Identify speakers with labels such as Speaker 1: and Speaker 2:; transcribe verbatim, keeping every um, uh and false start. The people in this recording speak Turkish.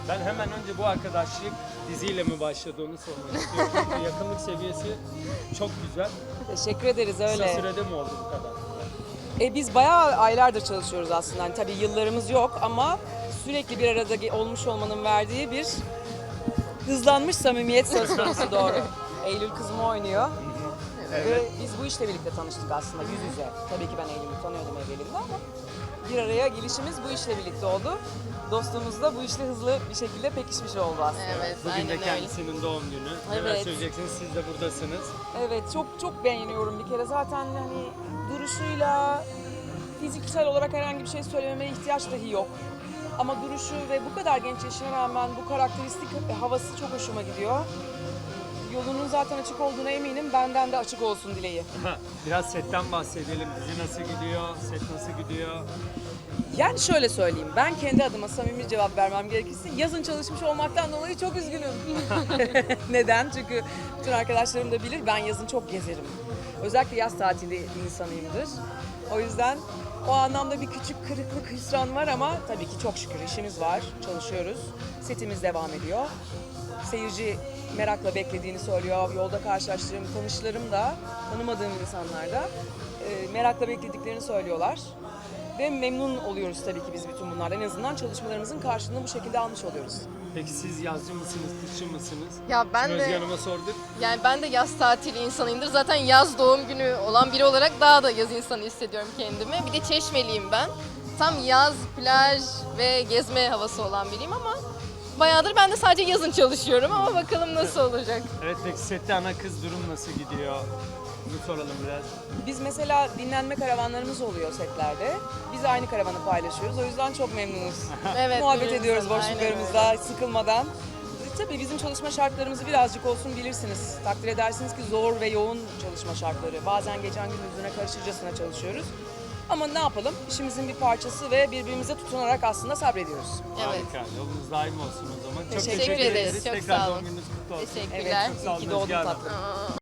Speaker 1: Ben hemen önce bu arkadaşlık diziyle mi başladı onu sormak istiyorum. Çünkü yakınlık seviyesi çok güzel.
Speaker 2: Teşekkür ederiz
Speaker 1: Kısa
Speaker 2: öyle.
Speaker 1: sürede mi oldu bu kadar?
Speaker 2: E, biz bayağı aylardır çalışıyoruz aslında. Hani tabii yıllarımız yok ama sürekli bir arada ge- olmuş olmanın verdiği bir hızlanmış samimiyet söz konusu doğru. Eylül kızımı oynuyor. Ve biz bu işle birlikte tanıştık aslında yüz yüze. Tabii ki ben Eylül'ü tanıyordum evvelinde ama bir araya gelişimiz bu işle birlikte oldu. Dostluğumuz da bu işle hızlı bir şekilde pekişmiş oldu aslında.
Speaker 3: Evet,
Speaker 1: Bugün
Speaker 3: aynen
Speaker 1: de
Speaker 3: öyle.
Speaker 1: kendisinin doğum günü. Neler
Speaker 2: Evet.
Speaker 1: söyleyeceksiniz? Siz de buradasınız.
Speaker 2: Evet, çok çok beğeniyorum bir kere. Zaten hani duruşuyla fiziksel olarak herhangi bir şey söylememe ihtiyaç dahi yok. Ama duruşu ve bu kadar genç yaşına rağmen bu karakteristik havası çok hoşuma gidiyor. Yolunun zaten açık olduğuna eminim. Benden de açık olsun dileği.
Speaker 1: Biraz setten bahsedelim. Dizi nasıl gidiyor? Set nasıl gidiyor?
Speaker 2: Yani şöyle söyleyeyim, ben kendi adıma samimi cevap vermem gerekirse yazın çalışmış olmaktan dolayı çok üzgünüm. Neden? Çünkü bütün arkadaşlarım da bilir, ben yazın çok gezerim. Özellikle yaz tatili insanıyımdır. O yüzden o anlamda bir küçük kırıklık, hüsran var ama tabii ki çok şükür işimiz var, çalışıyoruz. Setimiz devam ediyor. Seyirci merakla beklediğini söylüyor. Yolda karşılaştığım tanışlarım da, tanımadığım insanlar da e, merakla beklediklerini söylüyorlar. Ve memnun oluyoruz tabii ki biz bütün bunlardan. En azından çalışmalarımızın karşılığını bu şekilde almış oluyoruz.
Speaker 1: Peki siz yazcı mısınız, kışçı mısınız?
Speaker 3: Ya ben
Speaker 1: Şimdi Özge
Speaker 3: de
Speaker 1: Hanım'a sorduk.
Speaker 3: yani ben de yaz tatili insanıyımdır. Zaten yaz doğum günü olan biri olarak daha da yaz insanı hissediyorum kendimi. Bir de Çeşmeliyim ben. Tam yaz, plaj ve gezme havası olan biriyim ama bayağıdır ben de sadece yazın çalışıyorum ama bakalım nasıl olacak.
Speaker 1: Evet, peki sette ana kız durum nasıl gidiyor? Bunu soralım biraz.
Speaker 2: Biz mesela dinlenme karavanlarımız oluyor setlerde. Biz aynı karavanı paylaşıyoruz. O yüzden çok memnunuz.
Speaker 3: Evet,
Speaker 2: Muhabbet
Speaker 3: birbirimizden,
Speaker 2: ediyoruz
Speaker 3: aynen
Speaker 2: boşluklarımızda sıkılmadan. E, Tabii bizim çalışma şartlarımızı birazcık olsun bilirsiniz. Takdir edersiniz ki zor ve yoğun çalışma şartları. Bazen gecen gündüzüne karışırcasına çalışıyoruz. Ama ne yapalım? İşimizin bir parçası ve birbirimize tutunarak aslında sabrediyoruz.
Speaker 3: Evet.
Speaker 1: Harika. Yolunuz daim olsun o zaman. Çok
Speaker 2: Teşekkür
Speaker 1: teşekkür
Speaker 3: ederiz.
Speaker 1: ederiz.
Speaker 3: Çok
Speaker 1: Tekrar
Speaker 3: sağ
Speaker 1: doğum
Speaker 3: olun.
Speaker 1: gününüz kutlu olsun.
Speaker 2: Evet,
Speaker 3: Teşekkürler.
Speaker 1: Sağ
Speaker 2: iyi
Speaker 1: olun
Speaker 2: ki doğdun
Speaker 1: Özge Hanım.
Speaker 2: tatlım.
Speaker 3: Aa.